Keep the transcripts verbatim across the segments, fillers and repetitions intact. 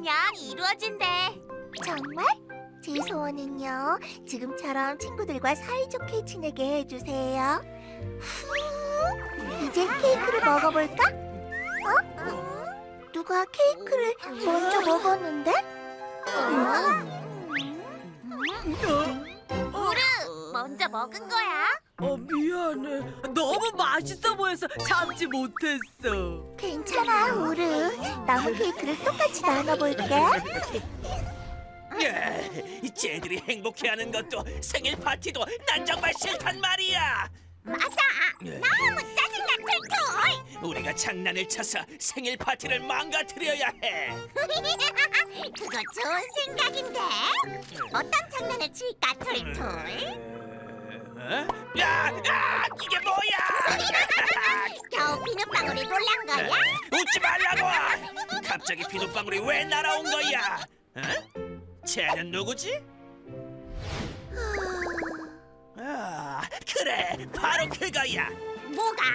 하면 이루어진대. 정말? 제 소원은요, 지금처럼 친구들과 사이좋게 지내게 해주세요. 후, 이제 케이크를 먹어볼까? 어? 누가 케이크를 먼저 먹었는데? 우르, 먼저 먹은 거야? 어, 미안해. 너무 맛있어 보여서 참지 못했어. 괜찮아, 우르. 남은 케이크를 똑같이 나눠볼게. 예, 이 쟤들이 행복해하는 것도 생일 파티도 난 정말 싫단 말이야. 맞아. 예. 너무 짜증나, 툴툴. 우리가 장난을 쳐서 생일 파티를 망가뜨려야 해. 그거 좋은 생각인데. 어떤 장난을 칠까, 툴툴? 어? 야, 야, 이게 뭐야? 겨우 비눗방울이 놀란 거야? 웃지 말라고! 갑자기 비눗방울이 왜 날아온 거야? 어? 쟤는 누구지? 아, 그래, 바로 그거야. 뭐가?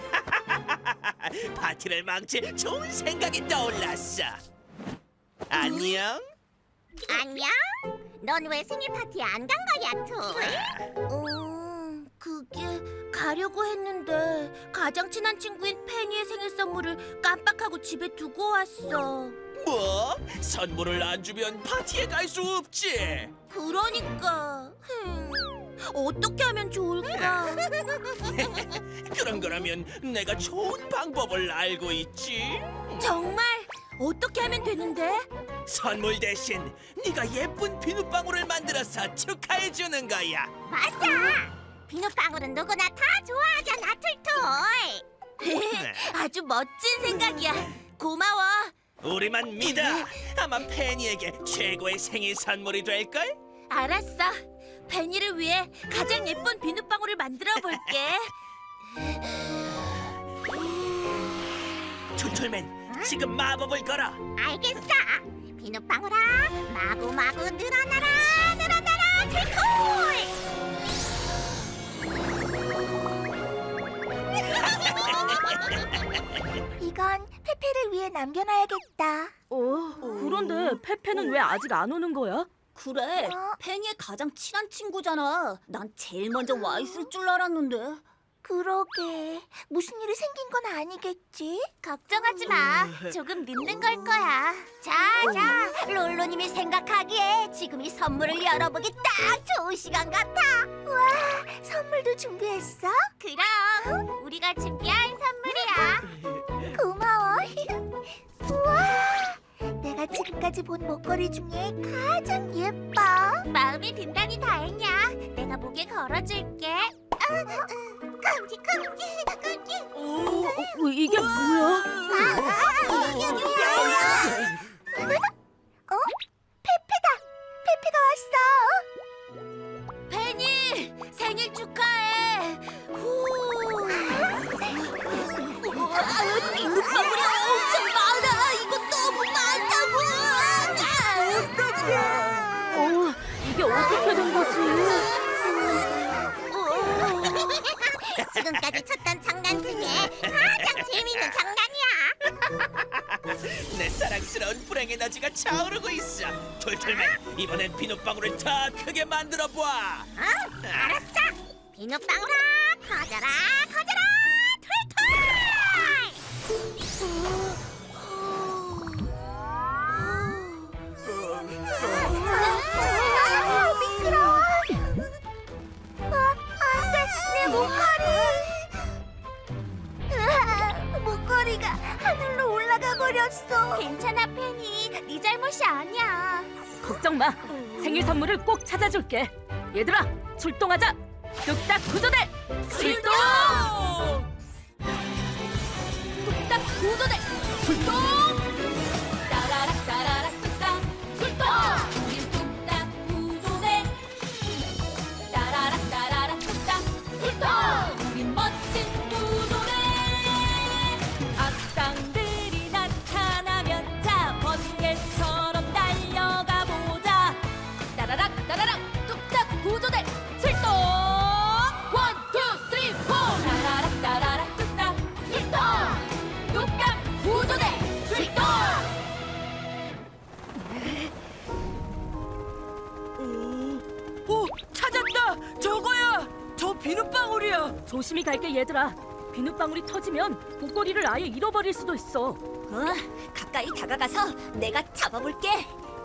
파티를 망칠 좋은 생각이 떠올랐어. 안녕. 안녕? 넌 왜 생일 파티에 안 간 거야, 툴? 음, 그게 가려고 했는데 가장 친한 친구인 페니의 생일 선물을 깜빡하고 집에 두고 왔어. 뭐? 선물을 안 주면 파티에 갈 수 없지. 그러니까 흠, 어떻게 하면 좋을까? 그런 거라면 내가 좋은 방법을 알고 있지. 정말 어떻게 하면 되는데? 선물 대신 네가 예쁜 비눗방울을 만들어서 축하해 주는 거야. 맞아. 비눗방울은 누구나 다 좋아하잖아, 툴툴. 아주 멋진 생각이야. 고마워. 우리만 믿어. 아마 페니에게 최고의 생일 선물이 될걸? 알았어. 페니를 위해 가장 예쁜 비눗방울을 만들어 볼게. 툴툴맨, 지금 마법을 걸어. 알겠어. 비눗방울아, 마구마구 늘어나라, 늘어나라, 툴툴. 이건 페페를 위해 남겨놔야겠다. 어, 그런데 페페는 왜 아직 안 오는 거야? 그래, 어? 페니의 가장 친한 친구잖아. 난 제일 먼저 와 있을 줄 알았는데. 그러게. 무슨 일이 생긴 건 아니겠지? 걱정하지 마. 조금 늦는 걸 거야. 자, 자, 롤로님이 생각하기에 지금 이 선물을 열어보기 딱 좋은 시간 같아. 와, 선물도 준비했어? 그럼 우리가 준비한 선물이야. 고마워. 우와, 내가 지금까지 본 목걸이 중에 가장 예뻐. 마음이 든다니 다행이야. 내가 목에 걸어줄게. 아, 아, 끔지, 끔지, 끔지. 오, 어, 이게 뭐야? 아, 이게 뭐야? 어? 페페다. 페페가 왔어. 페니, 생일 축하해. 후. 비눗방울이 엄청 많아. 이거 너무 많다고. 어, 이게 어떻게 된 거지? 지금까지 쳤던 장난 중에 가장 재미있는 장난이야. 내 사랑스러운 불행 에너지가 차오르고 있어. 툴툴맨, 이번엔 비눗방울을 더 크게 만들어 봐. 어? 알았어. 비눗방울아, 커져라, 커져라, 아, 미끄러워. 아, 안 돼. 내 목걸이. 으아, 목걸이가 하늘로 올라가 버렸어. 괜찮아, 페니. 네 잘못이 아니야. 걱정 마. 생일 선물을 꼭 찾아줄게. 얘들아, 출동하자. 뚝딱 구조대 출동! 뚝딱 구조대 출동! 따라락 따라락 뚝딱 출동! 우린 뚝딱 구조대 따라락 따라락 뚝딱 출동! 우린 멋진 구조대 악당들이 나타나면 자 번개처럼 달려가 보자 따라락 따라락 뚝딱 구조대 출동! 원, 투, 쓰리, 포! 따라락 따라락 뚝딱 출동! 뚝딱 구조대 출동! 조심히 갈게 얘들아. 비눗방울이 터지면 목걸이를 아예 잃어버릴 수도 있어. 어, 가까이 다가가서 내가 잡아볼게.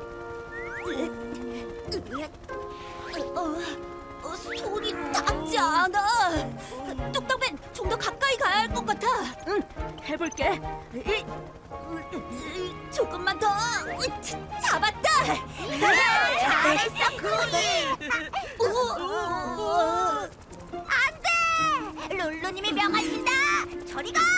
어, 어, 손이 닿지 않아. 뚝딱맨, 좀 더 가까이 가야 할 것 같아. 응, 해볼게. 이, 조금만 더. 자, 잡았다. 잘했어, 쿠이. 안돼! 룰루님이 명하신다. 저리 가!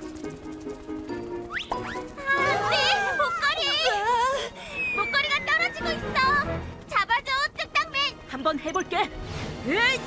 안돼! 목걸이! 목걸이가 떨어지고 있어. 잡아줘, 뚝딱맨. 한번 해볼게. 에이!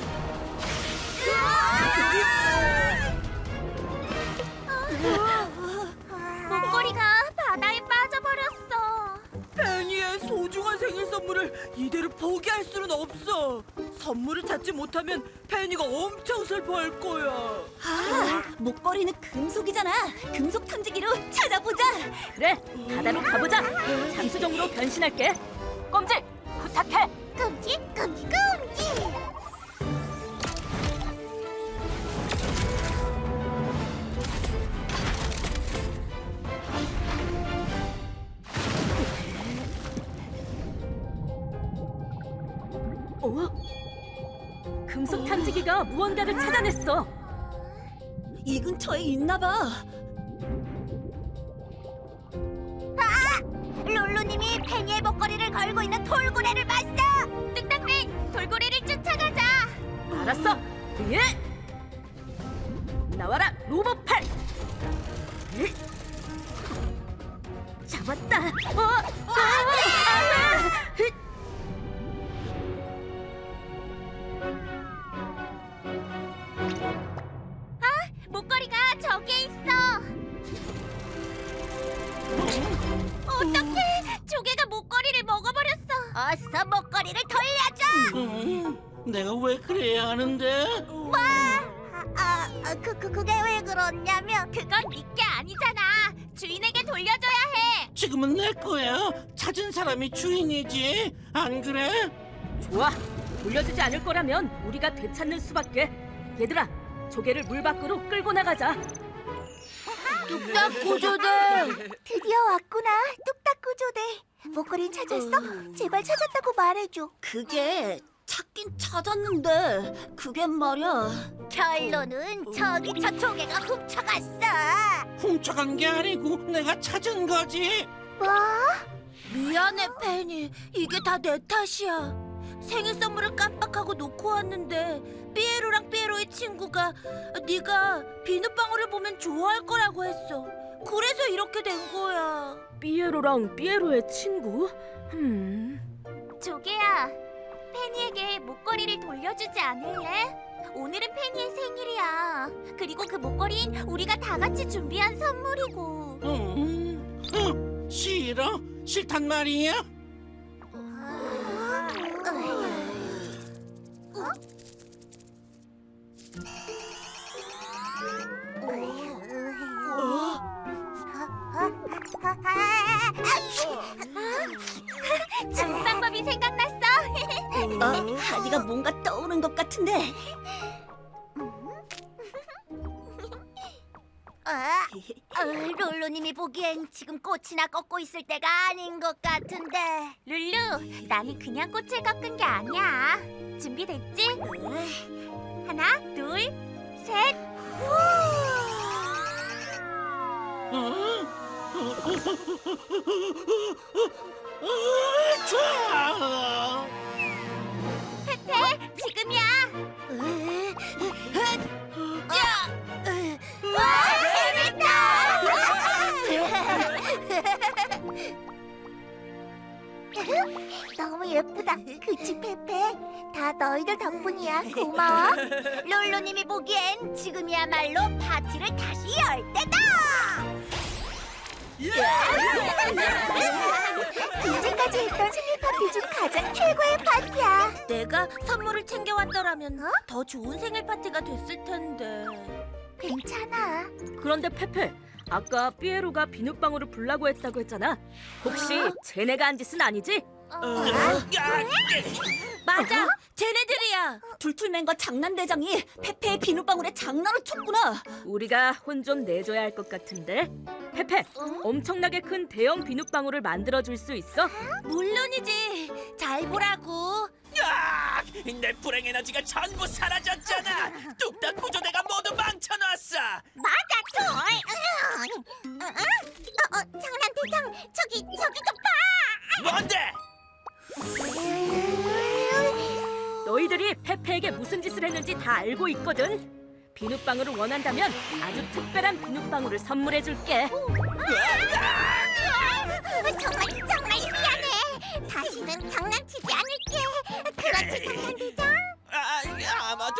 목걸이가 바다에 빠져버렸어. 페니의 소중한 생일 선물을 이대로 포기할 수는 없어. 선물을 찾지 못하면 페니가 엄청 슬퍼할 거야. 아, 목걸이는 금속이잖아. 금속 탐지기로 찾아보자. 그래, 바다로 가보자. 잠수정으로 변신할게. 껌지, 부탁해. 끔지, 끔지, 끔지. 어? 금속 탐지기가 무언가를 찾아냈어. 이 근처에 있나 봐. 룰루님이 페니의 목걸이를 걸고 있는 돌고래를 봤어. 뚝딱맨, 돌고래를 쫓아가자. 알았어. 예. 나와라, 로봇팔. 예. 잡았다. 어, 어, 안돼. 목걸이가 저기에 있어. 어떡해! 조개가 목걸이를 먹어버렸어. 어서 목걸이를 돌려줘. 음, 내가 왜 그래야 하는데? 뭐? 아, 아, 그, 그, 그게 왜 그러냐면 그건 네게 아니잖아. 주인에게 돌려줘야 해. 지금은 내 거야. 찾은 사람이 주인이지. 안 그래? 좋아. 돌려주지 않을 거라면 우리가 되찾는 수밖에. 얘들아, 조개를 물 밖으로 끌고 나가자. 뚝딱 구조대. 드디어 왔구나, 뚝딱 구조대. 목걸이 찾았어? 제발 찾았다고 말해줘. 그게 찾긴 찾았는데 그게 말이야. 결론은 저기 저 조개가 훔쳐갔어. 훔쳐간 게 아니고 내가 찾은 거지. 뭐? 미안해, 페니. 이게 다 내 탓이야. 생일 선물을 깜빡하고 놓고 왔는데 삐에로랑 삐에로의 친구가 네가 비눗방울을 보면 좋아할 거라고 했어. 그래서 이렇게 된 거야. 삐에로랑 삐에로의 친구? 음. 조개야, 페니에게 목걸이를 돌려주지 않을래? 오늘은 페니의 생일이야. 그리고 그 목걸이는 우리가 다 같이 준비한 선물이고. 음, 어, 싫어? 싫단 말이야? 좋은 방법이 생각났어. 어, 하디가 뭔가 떠오른 것 같은데. 아, 어, 룰루님이 보기엔 지금 꽃이나 꺾고 있을 때가 아닌 것 같은데. 룰루, 나는 그냥 꽃을 꺾은 게 아니야. 준비됐지? 하나, 둘, 셋. 후! 어, 좋아. 페페, 지금이야. 와, 해냈다. 너무 예쁘다. 그치, 페페? 다 너희들 덕분이야. 고마워. 룰루님이 보기엔 지금이야말로 파티를 다시 열 때다. 이제까지 했던 생일 파티 중 가장 최고의 파티야. 내가 선물을 챙겨왔더라면 더 좋은 생일 파티가 됐을 텐데. 괜찮아. 그런데 페페, 아까 삐에로가 비눗방울을 불라고 했다고 했잖아. 혹시 쟤네가 한 짓은 아니지? 야, 맞아, 쟤네들이야. 툴툴맨과 장난대장이 페페의 비눗방울에 장난을 쳤구나. 우리가 혼 좀 내줘야 할 것 같은데. 페페, 엄청나게 큰 대형 비눗방울을 만들어 줄 수 있어? 물론이지. 잘 보라고. 야, 내 불행 에너지가 전부 사라졌잖아. 뚝딱 구조대가 모두 망쳐놨어. 맞아, 툴. 어, 어, 장난대장, 저기 저기 좀 봐. 뭔데? 너희들이 페페에게 무슨 짓을 했는지 다 알고 있거든. 비눗방울을 원한다면 아주 특별한 비눗방울을 선물해 줄게. 정말 정말 미안해. 다시는 장난치지 않을게. 그렇지, 장난대장. 아, 아마도.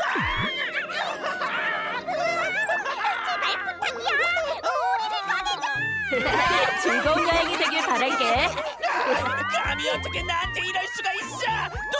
제발 부탁이야. 우리를 꺼내줘. 즐거운 여행이 되길 바랄게. 감히 어떻게 나한테 이럴 수가 있어?